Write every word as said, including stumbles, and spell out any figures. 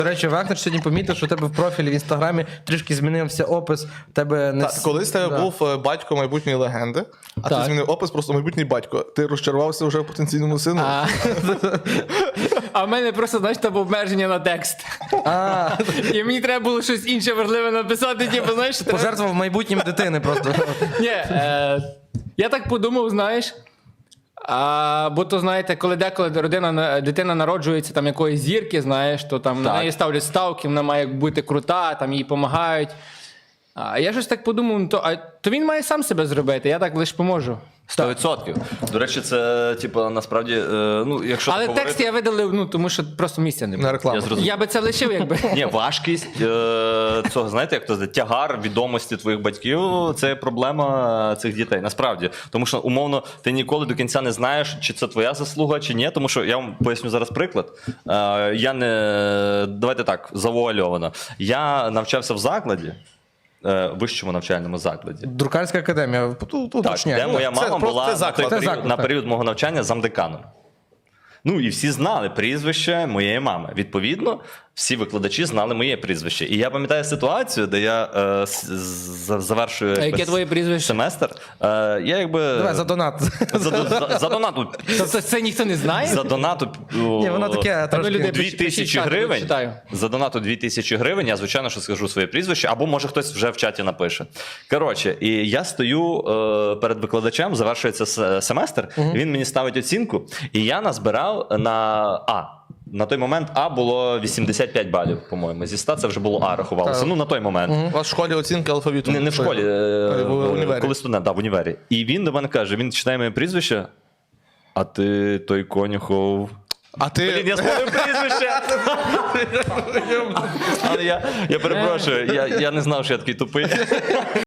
До речі, Вахнер сьогодні помітив, що у тебе в профілі в інстаграмі трішки змінився опис. У тебе не... Так, колись тебе Да. був е, батько майбутньої легенди, а Так. ти змінив опис просто майбутній батько. Ти розчарувався вже в потенційному сину. А, а в мене просто, знаєш, там обмеження на текст. А, І мені треба було щось інше важливе написати, типу, знаєш, треба- пожертвував майбутнім дитини просто. Ні, е, я так подумав, знаєш. А, бо то, знаєте, коли деколи родина, дитина народжується там якоїсь зірки, знаєш, то там на Так. неї ставлять ставки, вона має бути крута, там їй допомагають. А я щось так подумав, ну, то, а, то він має сам себе зробити, я так лише поможу. сто відсотків. До речі, це, типу, насправді, е, ну, якщо Але так текст я видалив, ну, тому що просто місця не На було. рекламу. Я зрозумів. Я би це лишив, якби. Ні, важкість е, цього, знаєте, як то сказати, тягар відомості твоїх батьків це проблема цих дітей. Насправді. Тому що, умовно, ти ніколи до кінця не знаєш, чи це твоя заслуга, чи ні. Тому що я вам поясню зараз приклад. Е, я не. Давайте так, завуальовано. Я навчався в закладі, е, вищому навчальному закладі. Друкарська академія. Тут Так, уточняю. де моя Ну, це мама просто була це на, заклад. той Це період, заклад, на так. період мого навчання замдеканом. Ну і всі знали прізвище моєї мами. Відповідно, всі викладачі знали моє прізвище. І я пам'ятаю ситуацію, де я е, с- з- завершую А якби, яке твоє прізвище? семестр. Е, я якби Давай за донат. за, за, за донату. Тобто це ніхто не знає? За донату Ні, воно таке Ну, трошки. люди- дві пишіть тисячі чат, я гривень. читаю. За донату дві тисячі гривень, я, звичайно, що скажу своє прізвище, або може хтось вже в чаті напише. Коротше, і я стою е, перед викладачем, завершується с- семестр, він мені ставить оцінку, і я назбирав на А. На той момент А було вісімдесят п'ять балів, по-моєму. Зі ста це вже було А рахувалося. Так. Ну, на той момент. У вас в школі оцінки алфавіту. Не, не в школі, е, в універі. коли студент, да, в універі. І він до мене каже: він читає моє прізвище, а ти той Конюхов. А ти... Блін, я спомнив прізвище. Але я, я перепрошую, я, я не знав, що я такий тупий.